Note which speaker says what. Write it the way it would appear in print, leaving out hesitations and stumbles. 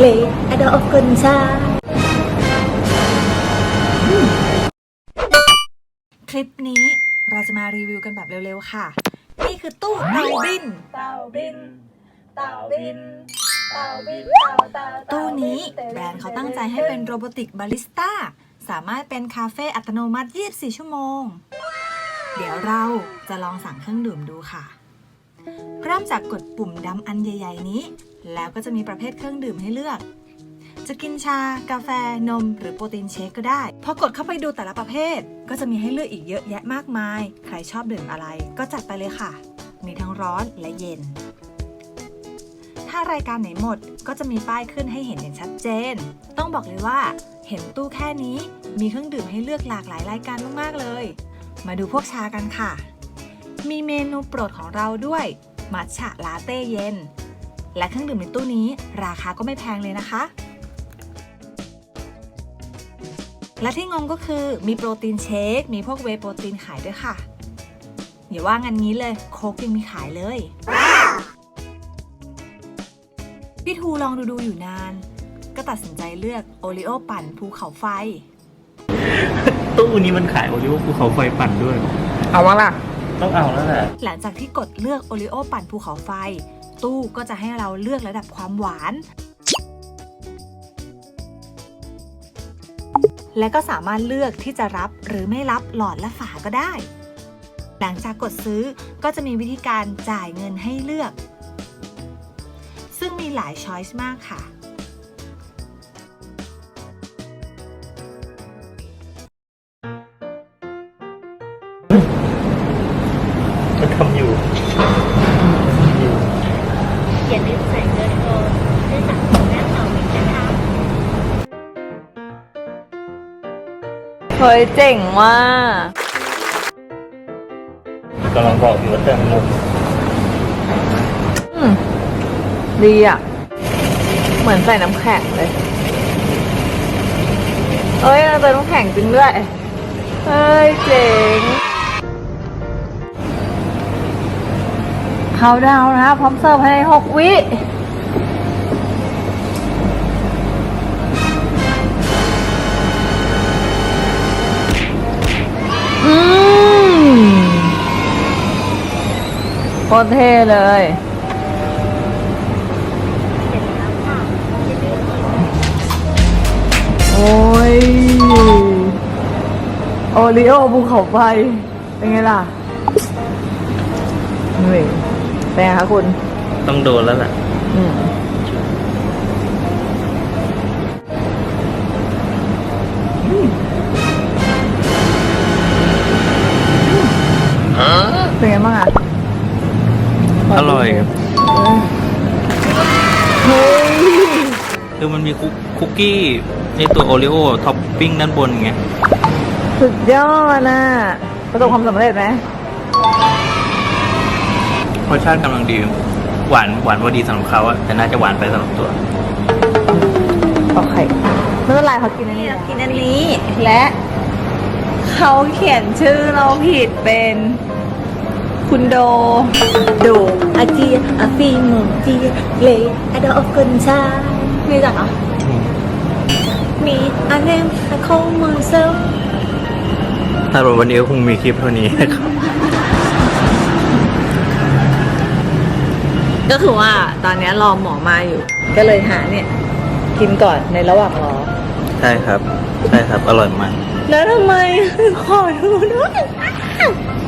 Speaker 1: เลยอดอกคนชาคลิปนี้เราจะมารีวิวกันแบบเร็วๆค่ะนี่คือตู้เตาบินตู้นี้แบรนด์เขาตั้งใจให้เป็นโรบอติกบาริสต้าสามารถเป็นคาเฟ่อัตโนมัติ24ชั่วโมงเดี๋ยวเราจะลองสั่งเครื่องดื่มดูค่ะเริ่มจากกดปุ่มดำอันใหญ่ๆนี้แล้วก็จะมีประเภทเครื่องดื่มให้เลือกจะกินชากาแฟนมหรือโปรตีนเชคก็ได้พอกดเข้าไปดูแต่ละประเภทก็จะมีให้เลือกอีกเยอะแยะมากมายใครชอบดื่มอะไรก็จัดไปเลยค่ะมีทั้งร้อนและเย็นถ้ารายการไหนหมดก็จะมีป้ายขึ้นให้เห็นอย่างชัดเจนต้องบอกเลยว่าเห็นตู้แค่นี้มีเครื่องดื่มให้เลือกหลากหลายรายการมากๆเลยมาดูพวกชากันค่ะมีเมนูโปรดของเราด้วยมัทฉะลาเต้เย็นและเครื่องดื่มในตู้นี้ราคาก็ไม่แพงเลยนะคะและที่งงก็คือมีโปรตีนเชคมีพวกเวย์โปรตีนขายด้วยค่ะอย่าว่างั้นงี้เลยโค้กยังมีขายเลยพี่ทูลองดูอยู่นานก็ตัดสินใจเลือกโอริโอปั่นภูเขาไฟ
Speaker 2: ตู้นี้มันขายโอริโอภูเขาไฟปั่นด้วย
Speaker 3: เอาวะล่ะ
Speaker 2: ต้องเอาแล้วแหละ
Speaker 1: หลังจากที่กดเลือกโอริโอปั่นภูเขาไฟตู้ก็จะให้เราเลือกระดับความหวานและก็สามารถเลือกที่จะรับหรือไม่รับหลอดและฝาก็ได้หลังจากกดซื้อก็จะมีวิธีการจ่ายเงินให้เลือกซึ่งมีหลายช้อยส์มากค่ะ
Speaker 2: มันทำอยู่
Speaker 4: อย่าลืมใส่เงินโอนด้วยสั่งของแม่เต่าบินนะคะ
Speaker 3: เฮ้ยเจ๋งว่ะ
Speaker 2: กำลังบอกอยู่ว่าเติมนม
Speaker 3: ดีอ่ะเหมือนใส่น้ำแข็งเลยเอ้ยเราเติมน้ำแข็งจริงด้วยเฮ้ยเจ๋งเขาดาวนะพร้อมเสิร์ฟภายใน6 วิโคตรเท่เลยโอ้ยโอริโอภูเขาไฟเป็นไงล่ะนี่เป็นไงคะคุณ
Speaker 2: ต้องโดนแล้วแหละ
Speaker 3: เป็นไงบ้างอ่ะ
Speaker 2: อร่อย
Speaker 3: เฮ้ย
Speaker 2: คือมันมีคุกกี้ในตัวโอริโอท็อปปิ้งด้านบนไง
Speaker 3: สุดยอดนะประสบความสำเร็จไหม
Speaker 2: รสชาติกำลังดีหวานพอดีสำหรับเขาอะแต่น่าจะหวานไปสำหรับตัว
Speaker 3: โอเคไม่เป็นไรเขากินอันนี้
Speaker 1: กินอันนี้
Speaker 3: และเขาเขียนชื่อเราผิดเป็นคุณโด
Speaker 1: อาเจียอาฟีหมงเจียเลยอดอกคนชาไม่จักเหรอมีอันเนมโคมเซล
Speaker 2: ถ้าวันนี้ก็คงมีคลิปเท่านี้นะครับ
Speaker 3: ก็คือว่าตอนนี้รอหมอมาอยู่ก็เลยหาเนี่ยกินก่อนในระหว่างรอ
Speaker 2: ใช่ครับอร่อยมาก
Speaker 3: แล้วทำไมขอดูด้วย